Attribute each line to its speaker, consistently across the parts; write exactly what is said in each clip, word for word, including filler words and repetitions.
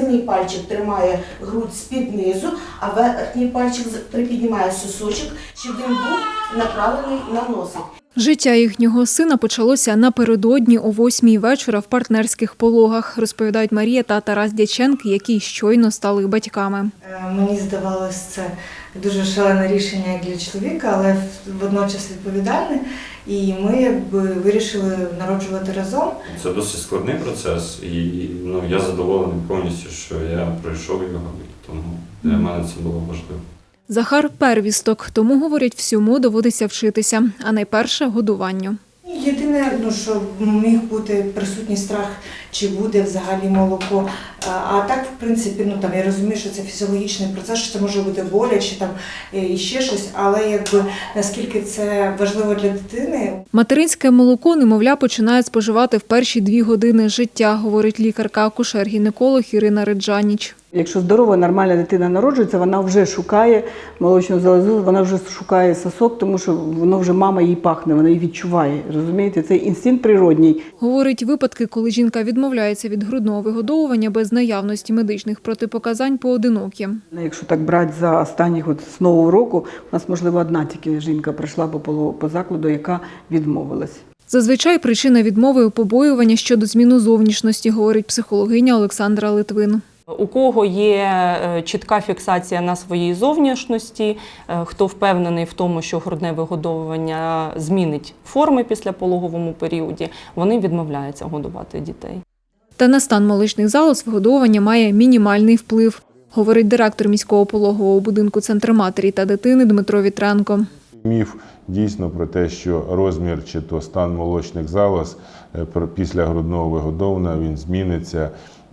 Speaker 1: середній пальчик тримає грудь з-під низу, а верхній пальчик припіднімає сосочок, щоб він був направлений на носик.
Speaker 2: Життя їхнього сина почалося напередодні о восьмій вечора в партнерських пологах, розповідають Марія та Тарас Дяченки, які щойно стали батьками.
Speaker 3: Мені здавалось, це дуже шалене рішення як для чоловіка, але водночас відповідальне. І ми якби вирішили народжувати разом.
Speaker 4: Це досить складний процес, і ну, я задоволений повністю, що я пройшов його, тому для мене це було важливо.
Speaker 2: Захар – первісток, тому, говорять, всьому доводиться вчитися, а найперше – годуванню.
Speaker 3: Єдине, ну, що міг бути присутній страх, чи буде взагалі молоко. А так, в принципі, ну, там, я розумію, що це фізіологічний процес, що це може бути боляче там, і ще щось, але якби, наскільки це важливо для дитини.
Speaker 2: Материнське молоко немовля починає споживати в перші дві години життя, говорить лікарка-акушер-гінеколог Ірина Реджаніч.
Speaker 5: Якщо здорова, нормальна дитина народжується, вона вже шукає молочну залозу, вона вже шукає сосок, тому що воно вже мама їй пахне, вона її відчуває. Розумієте, це інстинкт природній.
Speaker 2: Говорить, випадки, коли жінка відмовляється від грудного виgodовування без наявності медичних протипоказань, поодинокі.
Speaker 5: Якщо так брати за останніх от, з нового року, у нас, можливо, одна тільки жінка прийшла по, по закладу, яка відмовилась.
Speaker 2: Зазвичай причина відмови – побоювання щодо зміни зовнішності, говорить психологиня Олександра Литвин.
Speaker 6: У кого є чітка фіксація на своїй зовнішності, хто впевнений в тому, що грудне вигодовування змінить форми після пологовому періоді, вони відмовляються годувати дітей.
Speaker 2: Та на стан молочних залоз вигодовування має мінімальний вплив, говорить директор міського пологового будинку «Центр матері та дитини» Дмитро Вітренко.
Speaker 7: Міф дійсно про те, що розмір чи то стан молочних залоз після грудного вигодовування він зміниться.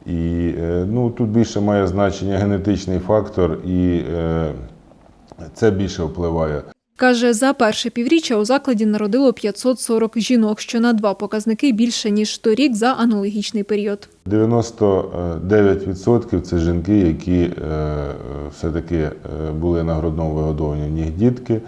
Speaker 7: І ну, тут більше має значення генетичний фактор, і е, це більше впливає.
Speaker 2: Каже, за перше півріччя у закладі народило п'ятсот сорок жінок, що на два показники більше, ніж торік за аналогічний період.
Speaker 7: дев'яносто дев'ять відсотків це жінки, які е, все-таки були на грудному вигодовуванні, в них дітки.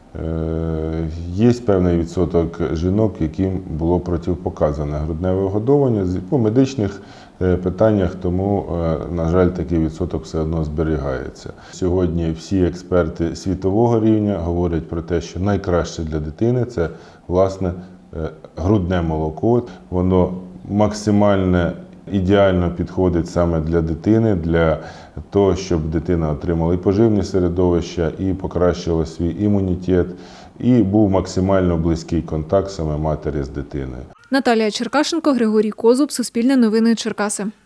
Speaker 7: Є певний відсоток жінок, яким було протипоказане грудне вигодовування по медичних питаннях, тому, на жаль, такий відсоток все одно зберігається. Сьогодні всі експерти світового рівня говорять про те, що найкраще для дитини – це, власне, грудне молоко. Воно максимально ідеально підходить саме для дитини, для того, щоб дитина отримала і поживні середовища, і покращила свій імунітет, і був максимально близький контакт саме матері з дитиною.
Speaker 2: Наталія Черкашенко, Григорій Козуб, Суспільне новини, Черкаси.